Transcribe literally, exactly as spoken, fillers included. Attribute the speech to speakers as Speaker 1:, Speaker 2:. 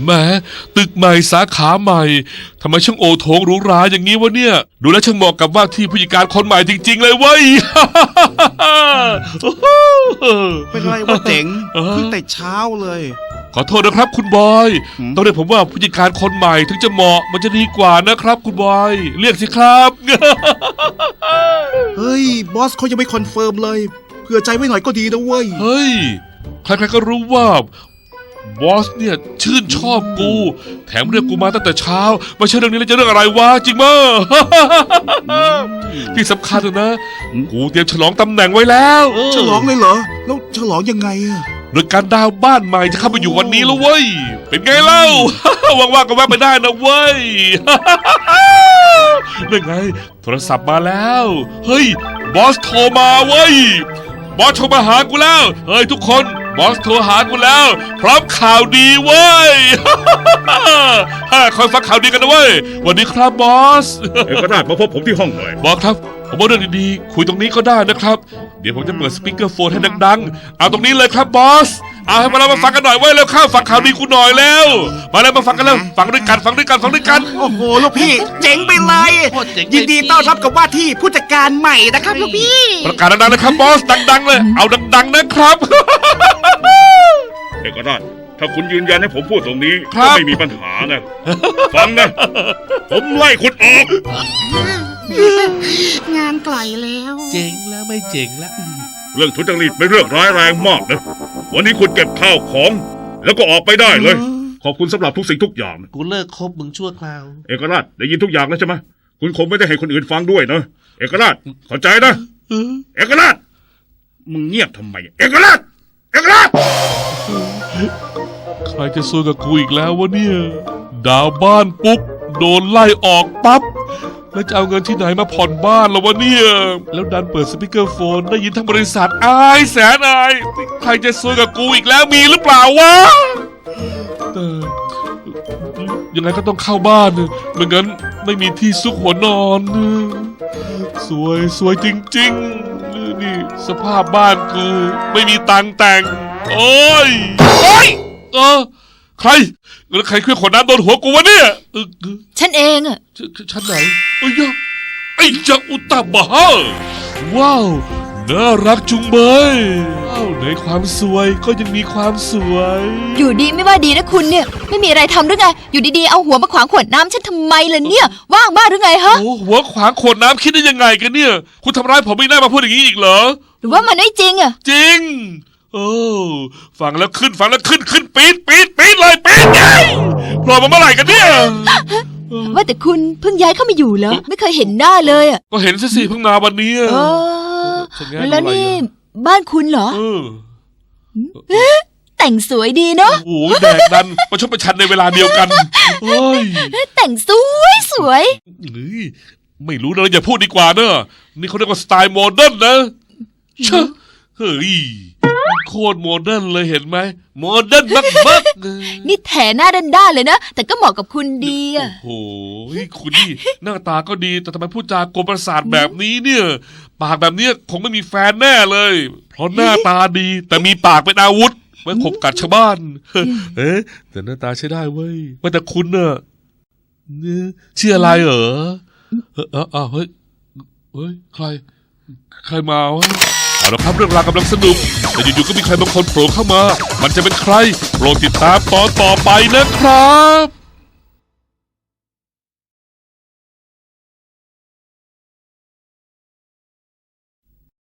Speaker 1: แหมตึกใหม่สาขาใหม่ทำไมช่างโอโถงหรูหราอย่างนี้วะเนี่ยดูแลช่างเหมาะกับว่าที่ผู้จัดการคนใหม่จริงๆเลยเว้ย
Speaker 2: เป็นไรวะเจ๋งขึ้นแต่เช้าเลย
Speaker 1: ขอโทษนะครับคุณบอยต้องเรียกผมว่าผู้จัดการคนใหม่ถึงจะเหมาะมันจะดีกว่านะครับคุณบอยเรียกสิครับ
Speaker 2: เฮ้ยบอสเขายังไม่คอนเฟิร์มเลยเผื่อใจไว้หน่อยก็ดีนะเว้ย
Speaker 1: เฮ้ยใครๆก็รู้ว่าบอสเนี่ยชื่นชอบกูแถมเรียกกูมาตั้งแต่เช้าไม่ใช่เรื่องนี้แล้วจะเรื่องอะไรวะจริงมั้ย ที่สำคัญนะกูเตรียมฉลองตำแหน่งไว้แล้ว
Speaker 2: ฉลองเลยเหรอแล้วฉลองยังไงอะ
Speaker 1: โดยการดาวบ้านใหม่จะเข้ามาอยู่วันนี้แล้วเว้ยเป็นไงเล่า ว่างๆก็แวะไปได้นะเว้ย นั่นไงโทรศัพท์มาแล้วเฮ้ยบอสโทรมาเว้ยบอสโทรมาหากูแล้วเฮ้ยทุกคนบอสโทรหากูแล้วพร้อมข่าวดีเว้ย คอยฟังข่าวดีกันนะเว้ยวันนี้ครับบอส
Speaker 3: เอกราชมาพบผมที่ห้องหน่อย
Speaker 1: บอสครับผมว่าเรื่องดีๆคุยตรงนี้ก็ได้นะครับเดี๋ยวผมจะเปิดสปีกเกอร์โฟนให้ดังๆเอาตรงนี้เลยครับบอสเอาให้มาแล้วมาฟังกันหน่อยเว้ยแล้วข้าวฟังข่าวดีกูหน่อยแล้วมาแล้วมาฟังกันแล้วฟังด้วยกันฟังด้วยกันฟังด้วยกัน
Speaker 2: โอ้โหลูกพี่เจ๋งไปเลยยินดีต้อนรับกับว่าที่ผู้จัดการใหม่นะครับลูกพี่
Speaker 1: ประกาศดังๆนะครับบอสดังๆเลยเอาดังๆนะครับ
Speaker 3: เอกราชถ้าคุณยืนยันให้ผมพูดตรงนี้ก็ไม่มีปัญหานะฟังนะผมไล่คุณออก
Speaker 4: งานไกลแล้ว
Speaker 1: เจ๋งแล้วไม่เจ๋งแล้ว
Speaker 3: เรื่องทุจริตเป็นเรื่องร้ายแรงมากนะวันนี้คุณเก็บข้าวของแล้วก็ออกไปได้เลยขอบคุณสำหรับทุกสิ่งทุกอย่าง
Speaker 1: กูเลิกคบมึงชั่วคราว
Speaker 3: เอกราชได้ยินทุกอย่างแล้วใช่ไหมคุณคงไม่ได้ให้คนอื่นฟังด้วยนะเอกราชเข้าใจนะเอกราชมึงเงียบทำไมเอกราชเอกราช
Speaker 1: ใครจะซวยกับกูอีกแล้ววะเนี่ยดาวบ้านปุ๊บโดนไล่ออกปั๊บแล้วจะเอาเงินที่ไหนมาผ่อนบ้านล่ะวะเนี่ยแล้วดันเปิดสปีกเกอร์โฟนได้ยินทั้งบริษัทอายแสนอายใครจะซวยกับกูอีกแล้วมีหรือเปล่าวะแต่ยังไงก็ต้องเข้าบ้านไม่งั้นไม่มีที่ซุกหัวนอนสวยสวยจริงๆนี่สภาพบ้านกูไม่มีตังแต่งโอ้ยโอ้ยเออใครแล้วใครเคลื่อนขวดน้ำโดนหัวกูวะเนี่ย
Speaker 4: ฉันเองอะ
Speaker 1: ฉันไหนไอ้ยะไอ้จักอุตตาบะว้าวน่ารักจุงเบยว้าวในความสวยก็ยังมีความสวย
Speaker 4: อยู่ดีไม่ว่าดีนะคุณเนี่ยไม่มีอะไรทำหรือไงอยู่ดีๆเอาหัวมาขวางขวดน้ำฉันทำไมล่ะเนี่ยว่างบ้าหรือไงฮะ
Speaker 1: โอ้หัวขวางขวดน้ำคิดได้ยังไงกันเนี่ยคุณทำร้ายผมไม่ได้มาพูดอย่างนี้อีกเหรอ
Speaker 4: หรือว่ามันไม่จริงอะ
Speaker 1: จริงโอ้ฟังแล้วขึ้นฟังแล้วขึ้นขึ้นปี๊ดปี๊ดปี๊ดเลยปี๊ดไงพอมาเมื่อไหร่กันเนี่ย
Speaker 4: ว่าแต่คุณเพิ่งย้ายเข้ามาอยู่เหรอไม่เคยเห็นหน้าเลยอ่ะ
Speaker 1: ก็เห็นซะสิเพิ่งมาวันนี้
Speaker 4: เออแล้วนี่บ้านคุณเหรอแต่งสวยดีเนาะ
Speaker 1: โอ้แดกดันประชดประชันในเวลาเดียวกันเฮ้ย
Speaker 4: แต่งสวยสวย
Speaker 1: ไม่รู้นะอย่าพูดดีกว่าเนอะนี่เขาเรียกว่าสไตล์โมเดิร์นนะเชอะเฮ้ยโคตรโมเดิร์นเลยเห็นไหมโมเดิร์นมากๆ
Speaker 4: นี่แถหน้าด้านๆเลยนะแต่ก็เหมาะกับคุณดีอ่ะ
Speaker 1: โอ้โหคุณนี่หน้าตาก็ดีแต่ทำไมพูดจากลประสาทแบบนี้เนี่ยปากแบบนี้คงไม่มีแฟนแน่เลยเพราะหน้าตาดีแต่มีปากเป็นอาวุธไว้ขบกัดชาวบ้านเอ๊ะแต่หน้าตาใช้ได้เว้ยว่าแต่คุณเนอะเนี่ยชื่ออะไรเหรอเออเออเฮ้ยเฮ้ยใครใครมาวะเอาละครับเรื่องราวกำลังสนุกแต่อยู่ๆก็มีใครบางคนโผล่เข้ามามันจะเป็นใครโปรดติดตามตอนต่อไปนะครับ